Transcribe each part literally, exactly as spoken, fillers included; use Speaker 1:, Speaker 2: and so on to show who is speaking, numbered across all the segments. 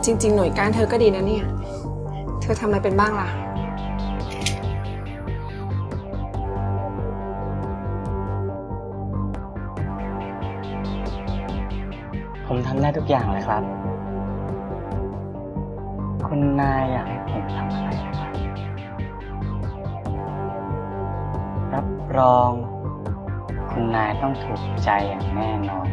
Speaker 1: จริงๆหน่วยก้านเธอก็ดีนะเนี่ยเธอทำอะไรเป็นบ้างล่ะ
Speaker 2: ผมทำได้ทุกอย่างเลยครับ คุณนายอยากให้ผมทำอะไรนะครับรับรอง คุณนายต้องถูกใจอย่างแน่นอน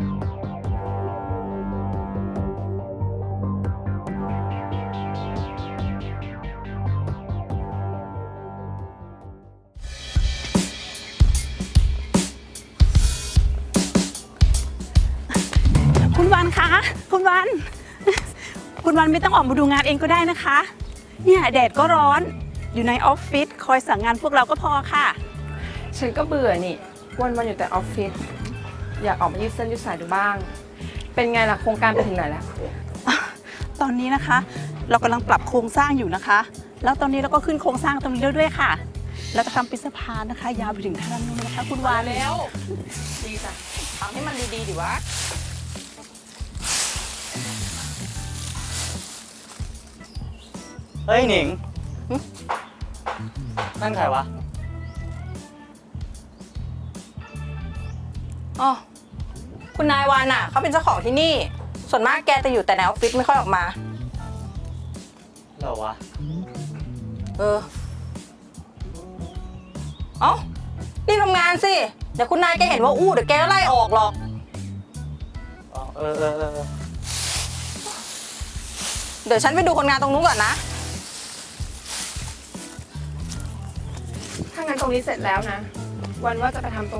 Speaker 3: คุณวันคะคุณวัน คุณวันไม่ต้องออกมาดูงานเองก็ได้นะคะ เนี่ยแดดก็ร้อนอยู่ในออฟฟิศคอยสั่งงานพวกเราก็พอค่ะ
Speaker 1: ฉันก็เบื่อนี่วันๆอยู่แต่ออฟฟิศอยากออกมายืดเส้นยืดสายดูบ้าง เป็นไงล่ะโครงการไปถึงไหนแล้ว
Speaker 3: ตอนนี้นะคะ เรากำลังปรับโครงสร้างอยู่นะคะ แล้วตอนนี้เราก็ขึ้นโครงสร้างตรงนี้ด้วยค่ะ เราจะทำเป็นสะพานนะคะ ยาวไปถึงท่านู้นนะคะ คุณวาน
Speaker 1: แล้วดีจ้ะทำให้มันดีๆดิวะ
Speaker 2: เฮ้ยหนิงนั่นใครวะ
Speaker 4: อ๋อคุณนายวานอ่ะเขาเป็นเจ้าของที่นี่ ส่วนมากแกจะอยู่แต่ในออฟฟิศไม่ค่อยออกมา
Speaker 2: เหรอวะ
Speaker 4: เออ เอ้ารีบทำงานสิ เดี๋ยวคุณนายแกเห็นว่าอู้เดี๋ยวแกก็ไล่ออกหรอก
Speaker 2: อ๋อ เออเออเออ
Speaker 4: เดี๋ยวฉันไปดูคนงานตรงนู้นก่อนนะ
Speaker 1: ถ้างั้นตรงนี้เสร็จแล้วนะ วันว่าจะไปทำตรง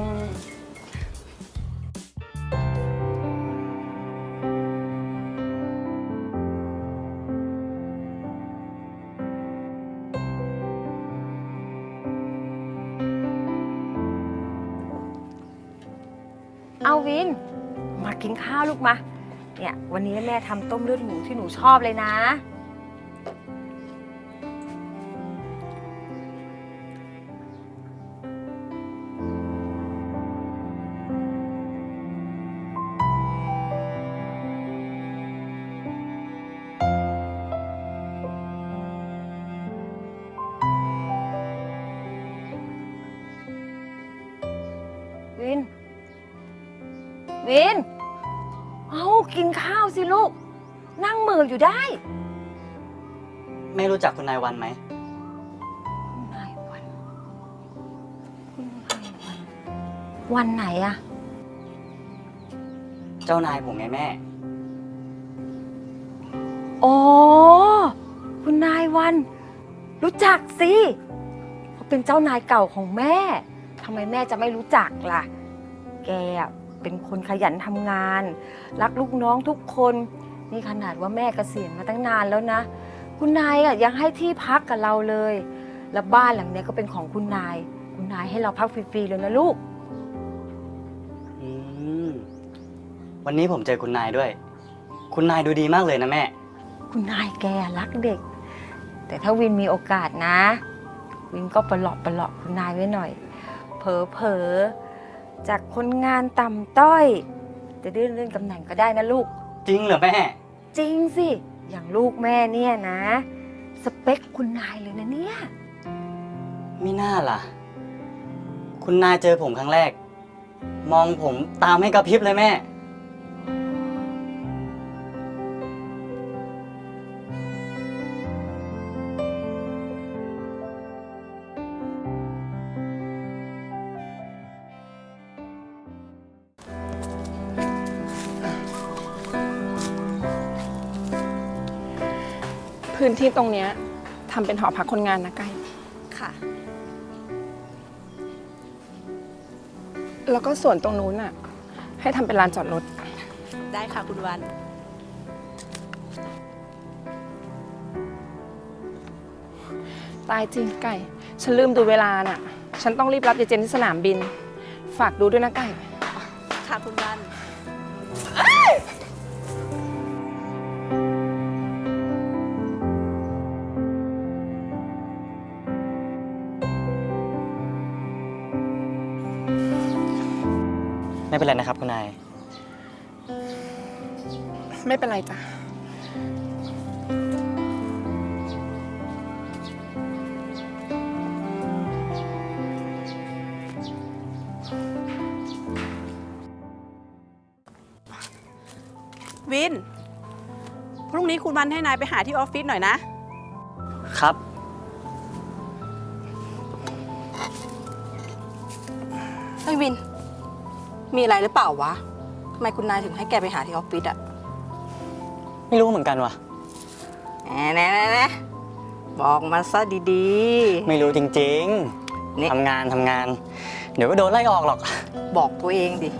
Speaker 5: เอาวิน มากินข้าวลูกมา เนี่ยวันนี้แม่ทำต้มเลือดหมูที่หนูชอบเลยนะ วิน วิน เอากินข้าวสิลูก นั่งเหมืออยู่ได้
Speaker 2: ไม่รู้จักคุณนายวันไหม
Speaker 5: คุณนายวัน คุณนายวัน วันไหนอะ
Speaker 2: เจ้านายผมไงแม่
Speaker 5: อ๋อ คุณนายวัน รู้จักสิเขาเป็นเจ้านายเก่าของแม่ทำไมแม่จะไม่รู้จักล่ะ แกอะเป็นคนขยันทำงาน รักลูกน้องทุกคน นี่ขนาดว่าแม่เกษียณมาตั้งนานแล้วนะ คุณนายอะยังให้ที่พักกับเราเลย แล้วบ้านหลังเนี้ยก็เป็นของคุณนาย คุณนายให้เราพักฟรีๆเลยนะลูก
Speaker 2: อืม วันนี้ผมเจอคุณนายด้วย คุณนายดูดีมากเลยนะแม่
Speaker 5: คุณนายแกรักเด็ก แต่ถ้าวินมีโอกาสนะ วินก็ประหลอกประหลอกคุณนายไว้หน่อย เผลอเผลอๆจากคนงานต่ำต้อย จะได้เลื่อนตำแหน่งก็ได้นะลูก
Speaker 2: จริงเหรอแม่
Speaker 5: จริงสิ อย่างลูกแม่เนี่ยนะ สเปคคุณนายเลยนะเนี่ย
Speaker 2: ไม่น่าล่ะ คุณนายเจอผมครั้งแรก มองผมตามให้กระพริบเลยแม่
Speaker 1: พื้นที่ตรงเนี้ยทำเป็นหอพักคนงานนะไก่
Speaker 3: ค่ะ
Speaker 1: แล้วก็ส่วนตรงนู้นน่ะ ให้ทำเป็นลานจอดรถ
Speaker 3: ได้ค่ะคุณวัน
Speaker 1: ตายจริงไก่ ฉันลืมดูเวลาน่ะ ฉันต้องรีบรับยายเจนที่สนามบิน ฝากดูด้วยนะไก่
Speaker 3: ค่ะคุณวัน
Speaker 2: ไม่เป็นไรนะครับคุณนาย
Speaker 1: ไม่เป็นไรจ้ะ
Speaker 3: วิน พรุ่งนี้คุณวันให้นายไปหาที่ออฟฟิศหน่อยนะ
Speaker 2: ครับ
Speaker 4: เฮ้ยวิน มีอะไรหรือเปล่าวะทำไมคุณนายถึงให้แกไปหาที่ออฟฟิศอะ
Speaker 2: ไม่รู้เหมือนกันว่ะ
Speaker 4: แหน่แหน่แหน่บอกมาซะดี
Speaker 2: ไม่รู้จริง
Speaker 4: นี่
Speaker 2: ๆทำงานทำงาน เดี๋ยวก็โดนไล่ออกหรอก
Speaker 4: ๆ บอกตัวเองดิ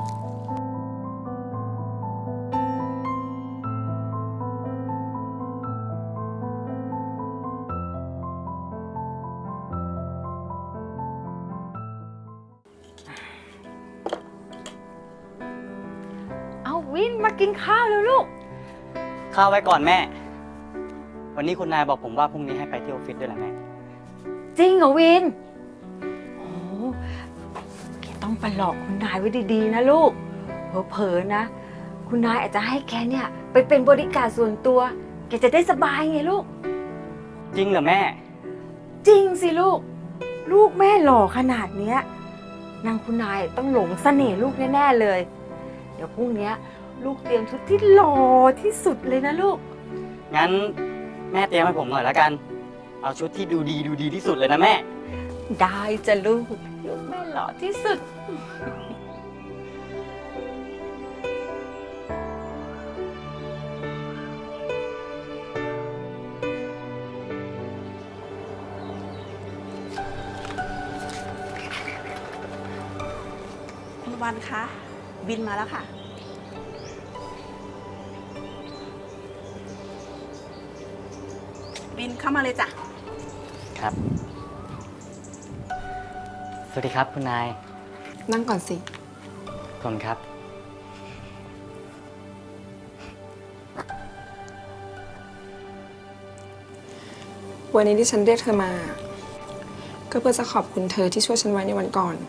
Speaker 5: เอาวินมากินข้าวแล้วลูก
Speaker 2: ข้าวไว้ก่อนแม่ วันนี้คุณนายบอกผมว่าพรุ่งนี้ให้ไปที่ออฟฟิศด้วยแหละแม่
Speaker 5: จริงเหรอวิน โอ้แกต้องไปหลอกคุณนายไว้ดีๆนะลูก เผลอๆนะ คุณนายอาจจะให้แกเนี่ยไปเป็นบริการส่วนตัว แกจะได้สบายไงลูก
Speaker 2: จริงเหรอแม่
Speaker 5: จริงสิลูก ลูกแม่หล่อขนาดเนี้ยนางคุณนายต้องหลงเสน่ห์ลูกแน่ๆเลย เดี๋ยวพรุ่งเนี้ยลูกเตรียมชุดที่หล่อที่สุดเลยนะลูก
Speaker 2: งั้นแม่เตรียมให้ผมหน่อยแล้วกัน เอาชุดที่ดูดีดูดีที่สุดเลยนะแม่
Speaker 5: ได้จะลูกลูกแม่หล่อที่สุด
Speaker 3: คุณวันคะบินมาแล้วค่ะ บินเข้ามาเลยจ้ะ
Speaker 2: ครับ สวัสดีครับคุณนาย
Speaker 1: นั่งก่อนสิ
Speaker 2: ขอบคุณครับ
Speaker 1: วันนี้ที่ฉันเรียกเธอมา ก็เพื่อจะขอบคุณเธอที่ช่วยฉันไว้ในวันก่อน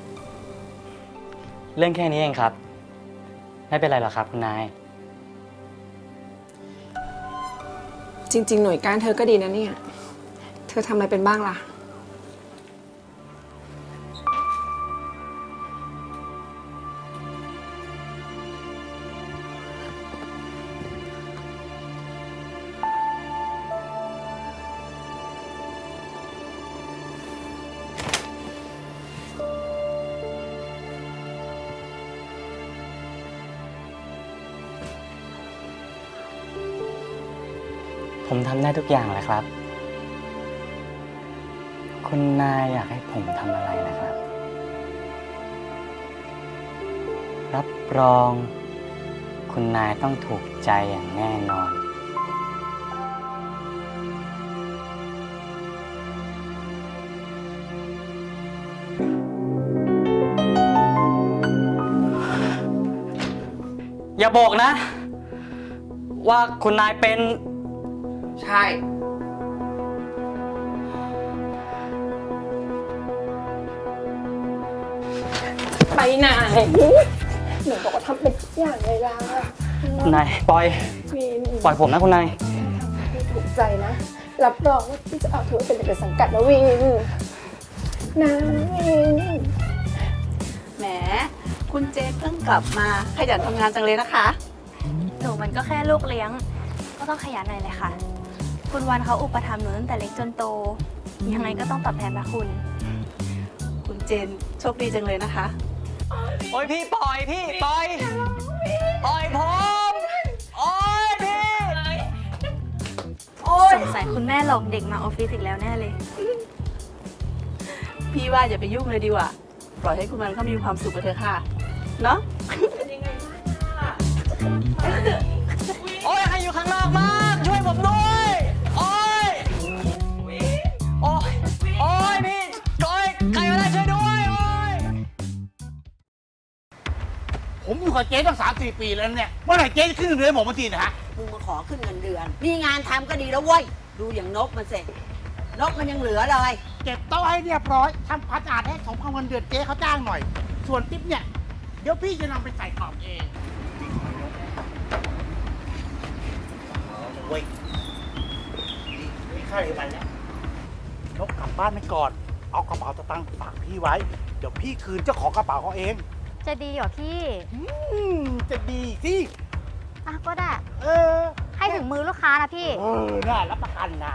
Speaker 2: เรื่องแค่นี้เองครับ ไม่เป็นไรหรอกครับคุณนาย
Speaker 1: จริง ๆ หน่วยก้านเธอก็ดีนะเนี่ย เธอทำอะไรเป็นบ้างล่ะ
Speaker 2: ผมทำได้ทุกอย่างแหละครับ คุณนายอยากให้ผมทำอะไรนะครับ รับรอง คุณนายต้องถูกใจอย่างแน่นอน อย่าบอกนะ ว่าคุณนายเป็น
Speaker 1: ใช่ ไปไหนหนูบอกว่าทำเป็นทุกอย่างเลยล่ะ
Speaker 2: คุณนายปล่อย
Speaker 1: วิน
Speaker 2: ปล่อยผมนะคุณนาย
Speaker 1: ไม่ถูกใจนะ รับรองว่าพี่จะเอาเธอเป็นเด็กในสังกัดนะวินนะวิน
Speaker 3: แหม คุณเจนเพิ่งกลับมาขยันทำงานจังเลยนะคะ
Speaker 6: หนูมันก็แค่ลูกเลี้ยง ก็ต้องขยันหน่อยเลยค่ะ คุณวันเขาอุปถัมภ์หนูตั้งแต่เล็กจนโต ยังไงก็ต้องตอบแทนพระคุณ
Speaker 3: คุณเจนโชคดีจังเลยนะคะ
Speaker 2: โอ้ยพี่ปล่อยพี่ปล่อย ปล่อยผม โอ้ยพี่
Speaker 6: สงสัยคุณแม่หลอกเด็กมาออฟฟิศอีกแล้วแน่เลย
Speaker 3: พี่ว่าอย่าไปยุ่งเลยดีกว่า ปล่อยให้คุณวันเขามีความสุขไปเถอะค่ะ เนาะ
Speaker 2: โอ้ยใครอยู่ข้างนอกมากช่วยผมด้วย โอ้ย โอ้ย โอ้ยพี่โอ้ยใครก็ได้ช่วยด้วย โอ้ย
Speaker 7: ผมอยู่กับเจ๊ตั้งสามสี่ปีแล้วเนี่ยเมื่อไหร่เจ๊จะขึ้นเงินเดือนผมมาทีนะฮะ
Speaker 8: มึงมาขอขึ้นเงินเดือน มีงานทำก็ดีแล้วเว้ย ดูอย่างนกมันเสร็จ นกมันยังเหลือเลย
Speaker 7: เก็บโต๊ะให้เรียบร้อยทำความสะอาดให้สมกับเงินเดือนเจ๊เขาจ้างหน่อย ส่วนติ๊บเนี่ย เดี๋ยวพี่จะนำไปใส่กล่องเองเว้ยนี่ค่าอะไรวันแล้วนกกลับบ้านไปก่อน เอากระเป๋าสตางค์ฝากพี่ไว้ เดี๋ยวพี่คืนเจ้าของกระเป๋าเขาเอง
Speaker 6: จะดีเหรอพี่
Speaker 7: อืมจะดีสิ
Speaker 6: อ่ะก็ได้
Speaker 7: เออ
Speaker 6: ให้ถึงมือลูกค้านะพี่
Speaker 7: เออน่ารับประกันนะ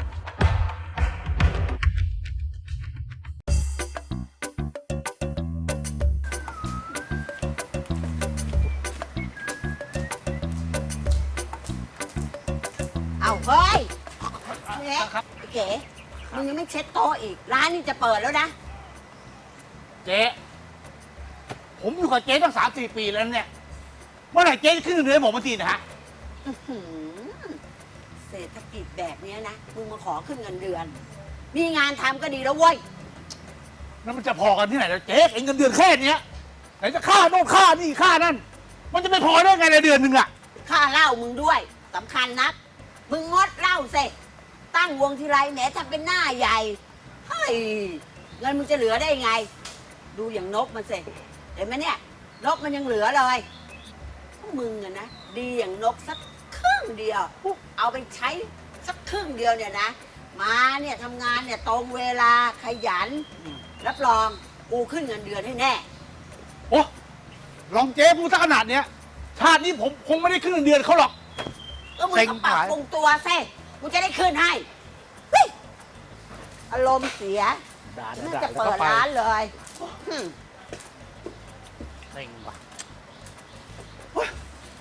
Speaker 8: เอาเฮ้ยเนี่ยไอ้เก๋มึงยังไม่เช็ดโต๊ะอีก ร้านนี่จะเปิดแล้วนะ
Speaker 7: เจ๊ผมอยู่กับเจ๊ตั้งสามสี่ปีแล้วเนี่ยเมื่อไหร่เจ๊จะขึ้นเงินเดือนผมมาทีนะฮะ
Speaker 8: อื้อหือเศรษฐกิจแบบเนี้ยนะ มึงมาขอขึ้นเงินเดือน มีงานทำก็ดีแล้วเว้ย
Speaker 7: แล้วมันจะพอกันที่ไหนแล้วเจ๊เองเงินเดือนแค่เนี้ยไหนจะค่าโน่นค่านี่ค่านั่น มันจะไม่พอได้ไงในเดือนหนึ่งอะ
Speaker 8: ค่าเหล้ามึงด้วยสำคัญนัก มึงงดเหล้าเสร็จตั้งวงทีไรแหมทำเป็นหน้าใหญ่เฮ้ยเงินมึงจะเหลือได้ไง ดูอย่างนกมันเสร็จเห็นไหมเนี่ย นกมันยังเหลือเลยพวกมึงอะนะดีอย่างนกสักครึ่งเดียว เอาไปใช้สักครึ่งเดียวเนี่ยนะ มาเนี่ยทำงานเนี่ยตรงเวลาขยัน รับรองกูขึ้นเงินเดือนให้แน่
Speaker 7: โอ้ลองเจ๊พูดซะขนาดเนี้ยชาตินี้ผมคงไม่ได้ขึ้นเงินเดือนเขาหรอก
Speaker 8: ก็มึง
Speaker 7: เซ็ง
Speaker 8: ก็ปรับ
Speaker 7: หาย
Speaker 8: ปรุงตัวซิกูจะได้ขึ้นให้เฮ้ยอารมณ์เสีย
Speaker 7: ด่า
Speaker 8: น่า
Speaker 7: ด่า
Speaker 8: จะ
Speaker 7: แล้ว
Speaker 8: เปิ
Speaker 7: ก็
Speaker 8: ด
Speaker 7: ไป
Speaker 8: ร้านเลยหึ่ม
Speaker 7: เซ็งว่ะเฮ้ย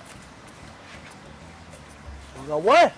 Speaker 7: เอาเว้ย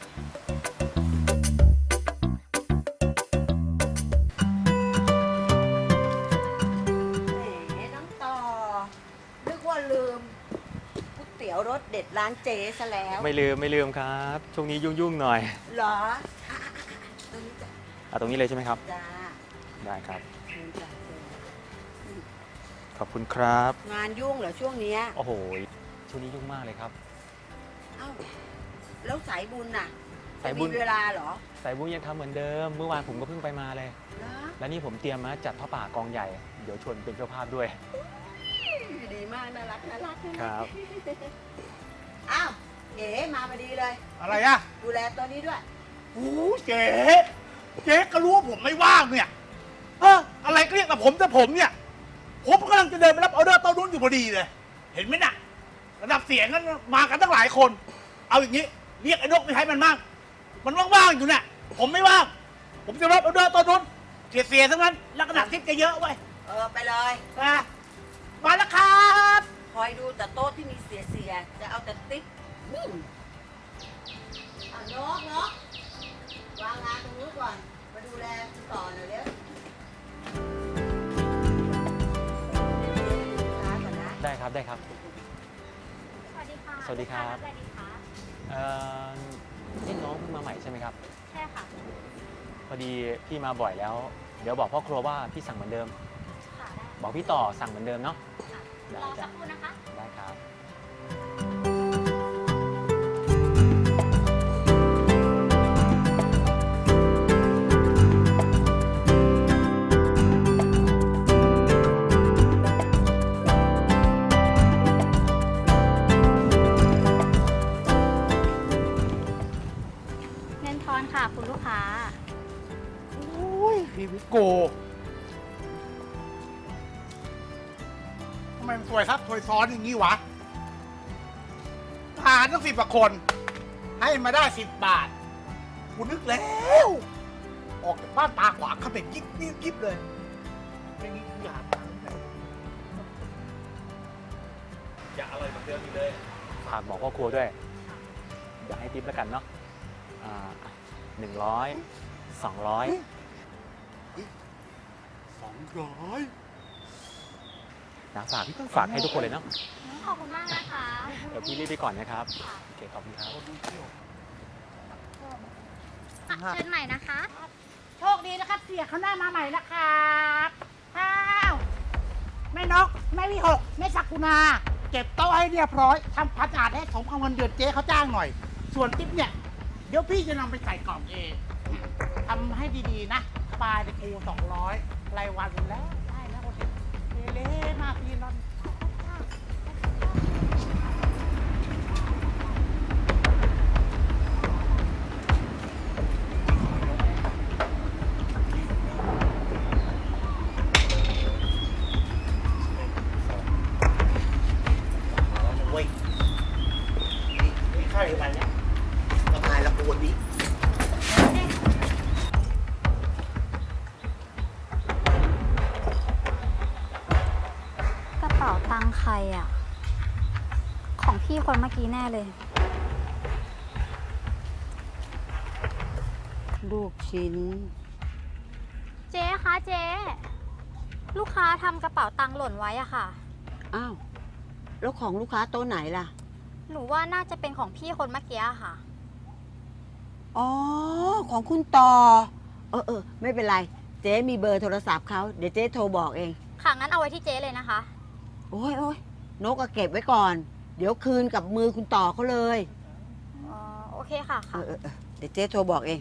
Speaker 8: แหมน้องต่อ นึกว่าลืมก๋วยเตี๋ยวรสเด็ดร้านเจ๊ซะแล้ว
Speaker 2: ไม่ลืมไม่ลืมครับ ช่วงนี้ยุ่งๆหน่อย
Speaker 8: เหรออ่ะอ่ะอ่ะตรงนี้จ้ะ
Speaker 2: อ่ะตรงนี้เลยใช่ไหมครับ
Speaker 8: จ้า
Speaker 2: ได้ครับ
Speaker 8: เชิญจ้ะเชิญ
Speaker 2: ขอบคุณครับ
Speaker 8: งานยุ่งเหรอช่วงเนี้ย
Speaker 2: โอ้โห ช่วงนี้ยุ่งมากเลยครับ
Speaker 8: เอ้า แล้วสายบุญน่ะ
Speaker 2: สายบุญ
Speaker 8: จะมีเวลาเหรอ
Speaker 2: สายบุญยังทำเหมือนเดิม เมื่อวานผมก็เพิ่งไปมาเลย
Speaker 8: เหรอ
Speaker 2: และนี่ผมเตรียมมาจัดผ้าป่ากองใหญ่ เดี๋ยวชวนเป็นเจ้าภาพด้วย
Speaker 8: ดีมาก น่ารักน่ารัก
Speaker 2: ครับ
Speaker 8: อ้าวเก๋มาพอดีเลย
Speaker 7: อะไรอะ
Speaker 8: ดูแลตัวนี้ด้วย
Speaker 7: โอ้เจ๊เจ๊ก็รู้ว่าผมไม่ว่างเนี่ยเอออะไรก็เรียกแต่ผมแต่ผมเนี่ย ผมกำลังจะเดินไปรับออเดอร์โต้นนู้นอยู่พอดีเลย เห็นไหมน่ะ ระดับเสียงนั้นมากันตั้งหลายคน เอาอย่างนี้ เรียกไอ้นกไปให้มันบ้างมันว่างๆอยู่เนี่ย ผมไม่ว่าง ผมจะรับออเดอร์โต้นนู้นเสียเสียๆทั้งนั้นแล้วกระดาษทิปจะเยอะไว้ย
Speaker 8: เออ ไปเลย
Speaker 7: มามาแล้วครับ
Speaker 8: คอยดูแต่โต๊ะที่มีเสียเสียๆจะเอาแต่ติ๊กอืมอ่ะนกนกวางงานตรงนู้นก่อน มาดูแลคุณต่อหน่อยเร็วลูกค้าก่อนนะ
Speaker 2: ได้ครับได้ครับ
Speaker 6: สวัสดีค่ะ
Speaker 2: สวัสดีครับ
Speaker 6: สวัสดีค่ะ
Speaker 2: เอ่อนี่น้องเพิ่งมาใหม่ใช่ไหมครับ
Speaker 6: ใช่ค่ะ
Speaker 2: พอดีพี่มาบ่อยแล้ว เดี๋ยวบอกพ่อครัวว่าพี่สั่งเหมือนเดิม
Speaker 6: ค่ะได้
Speaker 2: บอกพี่ต่อสั่งเหมือนเดิมเนาะ
Speaker 6: ค่ะ
Speaker 2: ได้
Speaker 6: รอ
Speaker 2: จ้ะ
Speaker 6: สักครู่นะคะ
Speaker 2: ได้ครับ
Speaker 6: เงินทอนค่ะ คุณลูกค้า
Speaker 7: โอ้ยพี่วิโกทำไมมันสวยครับสวยซ้อนอย่างนี้วะหารตั้งสิบกว่าคน ให้มาได้สิบบาทกูนึกแล้ว ออกจากบ้านตาขวางเขาเป็นยิบยิบยิบเลยอย่างนี้กูอยากตังค์เลยอย่าอะไรแบบเดิมอีกเลย
Speaker 2: ฝากบอกพ่อครัวด้วย อย่าให้ทิปแล้วกันเนาะหนึ่งร้อยสองร้อย
Speaker 7: สองร้อย
Speaker 2: นะฝากฝากให้ทุกคนเลยเนาะ
Speaker 6: ขอบคุณมากนะคะ
Speaker 2: เดี๋ยวพี่รีบไปก่อนนะครับ โอเค ขอบคุณครับ
Speaker 6: อ่ะเชิญใหม่นะคะ
Speaker 8: โชคดีนะครับ เสียเขาหน้ามาใหม่นะครับอ้าวแม่นกแม่วิหกแม่สักกุณา
Speaker 7: เก็บโต๊ะให้เรียบร้อยทำความสะอาดให้สมกับเงินเดือนเจ๊เขาจ้างหน่อย ส่วนติ๊บเนี่ย เดี๋ยวพี่จะนำไปใส่กล่องเองทำให้ดีๆนะสบายเลยกูสองร้อยรายวันแล้ว ได้แล้วโอเคเละๆมากพี่นอน เว้ยวันนี้
Speaker 6: กระเป๋าตังค์ใครอ่ะ ของพี่คนเมื่อกี้แน่เลย
Speaker 8: ลูกชิ้น
Speaker 6: เจ๊คะเจ๊ ลูกค้าทำกระเป๋าตังค์หล่นไว้อะค่ะ
Speaker 8: อ้าว แล้วของลูกค้าโต๊ะไหนล่ะ
Speaker 6: หนูว่าน่าจะเป็นของพี่คนเมื่อกี้อะค่ะ
Speaker 8: อ๋อ ของคุณต่อ เออเออไม่เป็นไร เจ๊มีเบอร์โทรศัพท์เขาเดี๋ยวเจ๊โทรบอกเอง
Speaker 6: ค่ะงั้นเอาไว้ที่เจ๊เลยนะคะ
Speaker 8: โอ้ยโอ้ยนกก็เก็บไว้ก่อน เดี๋ยวคืนกับมือคุณต่อเขาเลย
Speaker 6: อ๋อ โอเคค่ะ
Speaker 8: เอ
Speaker 6: ค่ะ
Speaker 8: อเออเออเดี๋ยวเจ๊โทรบอกเอง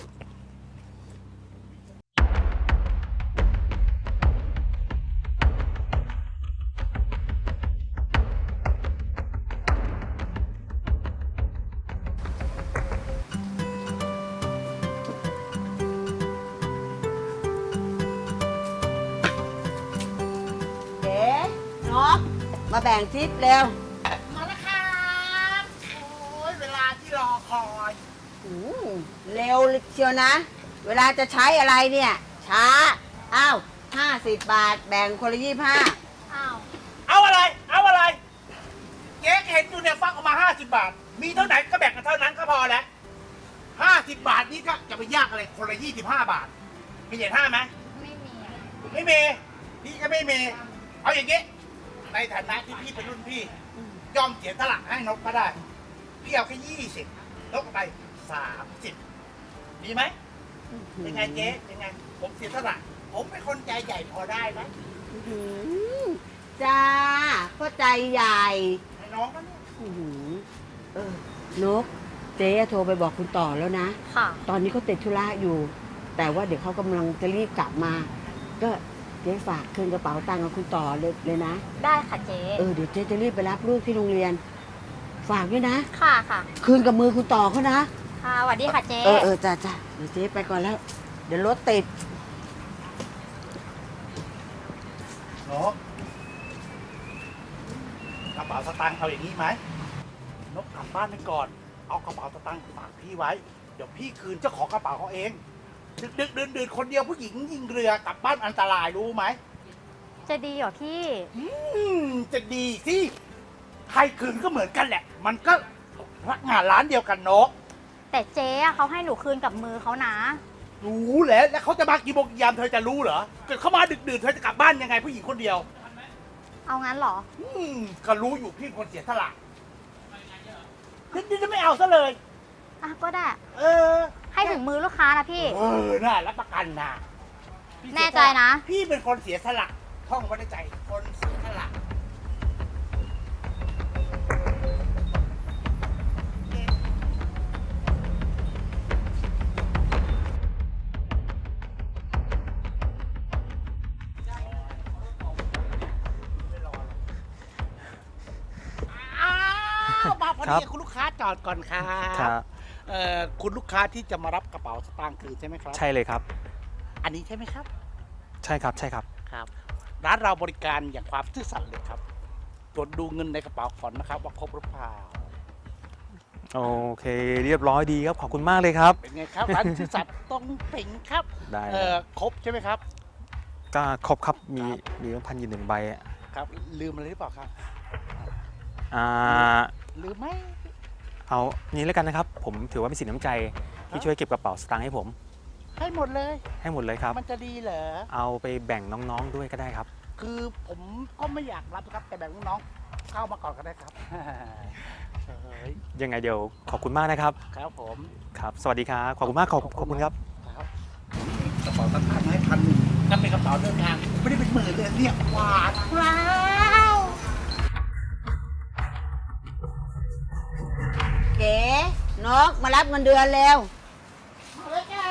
Speaker 8: เจ๊นกมาแบ่งทิปเร็ว
Speaker 7: มาแล้วครับโอ้ยเวลาที่รอคอย
Speaker 8: อืมเร็วเชียวนะ เวลาจะใช้อะไรเนี่ย ช้า อ้าวห้าสิบบาท แบ่งคนละยี่ห้า
Speaker 6: อ้าว
Speaker 7: เอาอะไร เอาอะไร เจ๊เห็นอยู่เนี่ยฟักออกมาห้าสิบบาท มีเท่าไหร่ก็แบ่งกันเท่านั้นก็พอแล้วห้าสิบบาทนี่ก็จะไปยากอะไรคนละยี่สิบห้าบาท มีเหรียญห้าไหม
Speaker 6: ไม่มีอะ
Speaker 7: ไม่มี พี่ก็ไม่มี เอาอย่างงี้ ในฐานะที่พี่เป็นรุ่นพี่ ยอมเสียสละให้นกก็ได้ พี่เอาแค่ยี่สิบนกเอาไปสามสิบดีไหมยังไงเจ๊ยังไง ผมเสียสละ ผมเป็นคนใจใหญ่พอได้ไหม
Speaker 8: อื้อหือจ้าก็ใจใหญ่
Speaker 7: ให้น้องก็เนี่ย
Speaker 8: อื้อหือเออนก เจ๊โทรไปบอกคุณต่อแล้วนะ
Speaker 6: ค่ะ
Speaker 8: ตอนนี้เขาติดธุระอยู่ แต่ว่าเดี๋ยวเขากำลังจะรีบกลับมา ก็เจ๊ฝากคืนกระเป๋าตังค์กับคุณต่อเลยเลยนะ
Speaker 6: ได้ค่ะเจ๊
Speaker 8: เออเดี๋ยวเจ๊จะรีบไปรับลูกที่โรงเรียน ฝากด้วยนะ
Speaker 6: ค่ะค่ะ
Speaker 8: คืนกับมือคุณต่อเขานะ
Speaker 6: ค่ะสวัสดีค่ะเจ๊
Speaker 8: เออเออจ้าจ้าเดี๋ยวเจ๊ไปก่อนแล้ว เดี๋ยวรถติด
Speaker 7: นกกระเป๋าสตางค์เอาอย่างนี้ไหมนกกลับบ้านไปก่อน เอากระเป๋าสตางค์ฝากพี่ไว้ เดี๋ยวพี่คืนเจ้าของกระเป๋าเขาเอง ดึกดึกดื่นดื่นคนเดียวผู้หญิงยิงเรือกลับบ้านอันตรายรู้ไหม
Speaker 6: จะดีเหรอพี่
Speaker 7: อืมจะดีสิใครคืนก็เหมือนกันแหละ มันก็พนักงานร้านเดียวกันนก
Speaker 6: แต่เจ๊อะเขาให้หนูคืนกับมือเขานะ
Speaker 7: รู้แล้ว แล้วเขาจะมากี่โมงกี่ยามเธอจะรู้เหรอ เกิดเขามาดึกดื่นเธอจะกลับบ้านยังไงผู้หญิงคนเดียว
Speaker 6: เอางั้นเหรอ
Speaker 7: อืมก็รู้อยู่พี่คนเสียสละนี่จะไม่เอาซะเลย
Speaker 6: อ่ะก็ได้
Speaker 7: เออ
Speaker 6: ให้ถึงมือลูกค้านะพี่
Speaker 7: เออ น่ารับประกันนะพี่เสียสละ
Speaker 6: แน่ใจนะ
Speaker 7: พี่เป็นคนเสียสละท่องไว้ในใจ คนเสียสละ อ้าวมาพอ
Speaker 9: ครั
Speaker 7: ดี
Speaker 9: บ
Speaker 7: คุณลูกค้าจอดก่อนครับ
Speaker 9: ครับ
Speaker 7: เอ่อคุณลูกค้าที่จะมารับกระเป๋าสตางค์คืนใช่ไหมครับ
Speaker 9: ใช่เลยครับ
Speaker 7: อันนี้ใช่ไหมครับ
Speaker 9: ใช่ครับใช่ครับ
Speaker 7: ครับ ร้านเราบริการอย่างความซื่อสัตย์เลยครับ ตรวจดูเงินในกระเป๋าก่อนนะครับ ว่าครบหรือเปล่า
Speaker 9: โอเค เรียบร้อยดีครับขอบคุณมากเลยครับ
Speaker 7: เป็นไงครับ ร้านซื่อสัตย์ตรงเป่งครับ
Speaker 9: ได้
Speaker 7: เอ่อครบใช่ไหมครับ
Speaker 9: ก็ครบครับมี
Speaker 7: ครับ
Speaker 9: มีพันอยู่หนึ่งใบอะ
Speaker 7: ครับ ลืมอะไรหรือเปล่าครับ
Speaker 9: อ่า
Speaker 7: ลืมไหม
Speaker 9: เอานี้แล้วกันนะครับ ผมถือว่าเป็นสินน้ำใจ
Speaker 7: ครั
Speaker 9: ที่
Speaker 7: บ
Speaker 9: ช่วยเก็บกระเป๋าสตางค์ให้ผม
Speaker 7: ให้หมดเลย
Speaker 9: ให้หมดเลยครับ
Speaker 7: มันจะดีเหรอ
Speaker 9: เอาไปแบ่งน้องๆด้วยก็ได้ครับ
Speaker 7: คือผมก็ไม่อยากรับครับ แต่แบ่งน้องๆเข้ามาก่อนก็ได้ครับ เฮ้ย
Speaker 9: ยังไงเดี๋ยวขอบคุณมากนะครับ
Speaker 7: ครับผม
Speaker 9: ครับ สวัสดีครับขอบคุณมากขอบขอบคุณครับ
Speaker 7: ครับกระเป๋าตังค์ให้พันหนึ่งนั่นเป็นกระเป๋าเดินทางไม่ได้เป็นหมื่นเลยเนี่ยหวานว้าว
Speaker 8: เก๋นกมารับเงินเดือนเร็ว
Speaker 7: มาเลยจ้า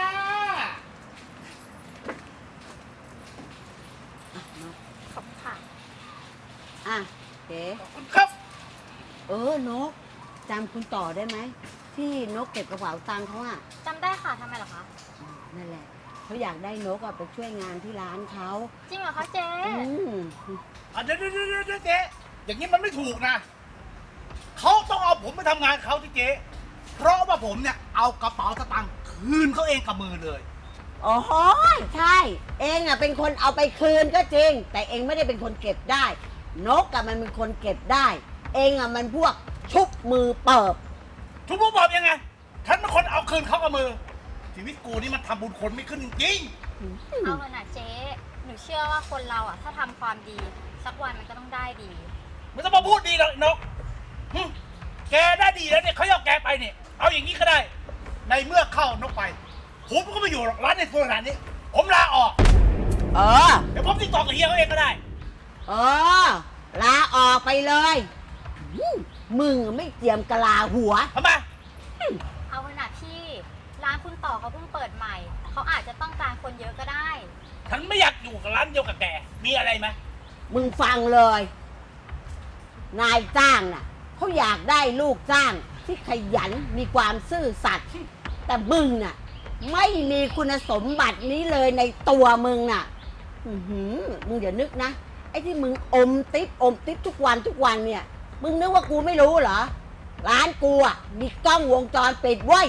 Speaker 6: ขอบคุณค่ะ
Speaker 8: อ่ะเก๋
Speaker 7: ขอบคุณครับ
Speaker 8: เออนกจำคุณต่อได้ไหม ที่นกเก็บกระเป๋าตังค์เขาอ่ะ
Speaker 6: จำได้ค่ะทำไมเหรอคะ
Speaker 8: นั่นแหละเขาอยากได้นกอะไปช่วยงานที่ร้านเขา
Speaker 6: จริงเหรอคะเจ๊
Speaker 8: อืม
Speaker 7: อ่ะเดี๋ยวเดี๋ยวเดี๋ยวเดี๋ยวเจ๊อย่างนี้มันไม่ถูกนะ เขาต้องเอาผมไปทำงานเขาที่เจ๊เพราะว่าผมเนี่ยเอากระเป๋าสตางค์คืนเขาเองกับมือเลย
Speaker 8: โอ้โหใช่ เองอ่ะเป็นคนเอาไปคืนก็จริง แต่เองไม่ได้เป็นคนเก็บได้ นกอะมันเป็นคนเก็บได้ เองอ่ะมันพวกชุบมือเปิบ
Speaker 7: ทุกผู้บอกยังไง ฉันเป็นคนเอาคืนเขากับมือ ชีวิตกูนี่มันทำบุญคนไม่ขึ้นจริง
Speaker 10: เอาเถอะนะเจ๊ หนูเชื่อว่าคนเราอ่ะถ้าทำความดี สักวันมันก็ต้องได้ดี
Speaker 7: ๆไม่ต้องมาพูดดีหรอกนกหึแกได้ดีแล้วเนี่ยเขาเอาแกไปเนี่ย เอาอย่างนี้ก็ได้ ในเมื่อเข้านกไป ผมก็ไม่อยู่หรอกร้านในโซนร้านนี้ ผมลาออก
Speaker 8: เออ
Speaker 7: เดี๋ยวผมติดต่อกับเฮียเขาเองก็ได้
Speaker 8: เออ ลาออกไปเลยอืมมึงไม่เตรียมกะลาหัว
Speaker 7: ทำไม
Speaker 10: เอาเถอะนะพี่ ร้านคุณต่อเขาเพิ่งเปิดใหม่ เขาอาจจะต้องการคนเยอะก็ได้
Speaker 7: ฉันไม่อยากอยู่กับร้านเดียวกับแก มีอะไรไหม
Speaker 8: มึงฟังเลย นายจ้างน่ะเขาอยากได้ลูกจ้างที่ขยันมีความซื่อสัตย์แต่มึงน่ะ ไม่มีคุณสมบัตินี้เลยในตัวมึงน่ะ อือหือมึงอย่านึกนะ ไอ้ที่มึงอมติ๊บอมติ๊บทุกวันทุกวันเนี่ย มึงนึกว่ากูไม่รู้เหรอ ร้านกูอ่ะมีกล้องวงจรปิดเว้ย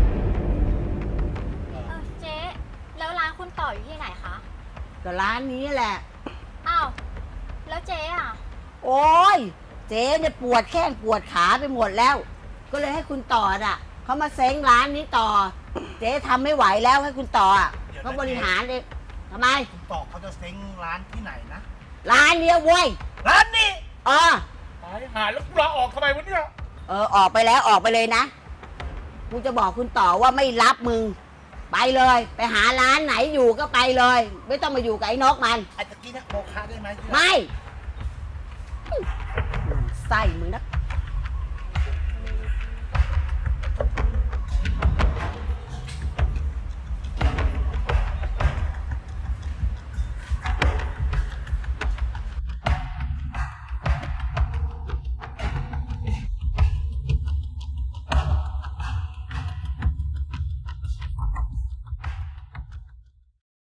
Speaker 10: เออเจ๊ แล้วร้านคุณต่ออยู่ที่ไหนคะ
Speaker 8: ก็ร้านนี้แหละ
Speaker 10: อ้าว แล้วเจ๊อ่ะ
Speaker 8: โอ้ยเจ๊เนี่ยปวดแข้งปวดขาไปหมดแล้ว ก็เลยให้คุณต่ออ่ะเขามาเซ้งร้านนี้ต่อ เจ๊ทำไม่ไหวแล้วให้คุณต่ออ่ะเขาบริหารเองทำไม
Speaker 7: ต่อเขาจะเซ้งร้านที่ไหนนะ
Speaker 8: ร้านเนี้ยเว้ย
Speaker 7: ร้านนี้
Speaker 8: เออ
Speaker 7: ตายหาแล้วกูลาออกทำไมวะเนี่ย
Speaker 8: เออออกไปแล้วออกไปเลยนะกูจะบอกคุณต่อว่าไม่รับมึง ไปเลย ไปหาร้านไหนอยู่ก็ไปเลย ไม่ต้องมาอยู่กับไอ้นกมัน
Speaker 7: ไอ้ตะกี้นะโมคะได้ไหมที่ร้าน
Speaker 8: ไม่ไส้มึงนัก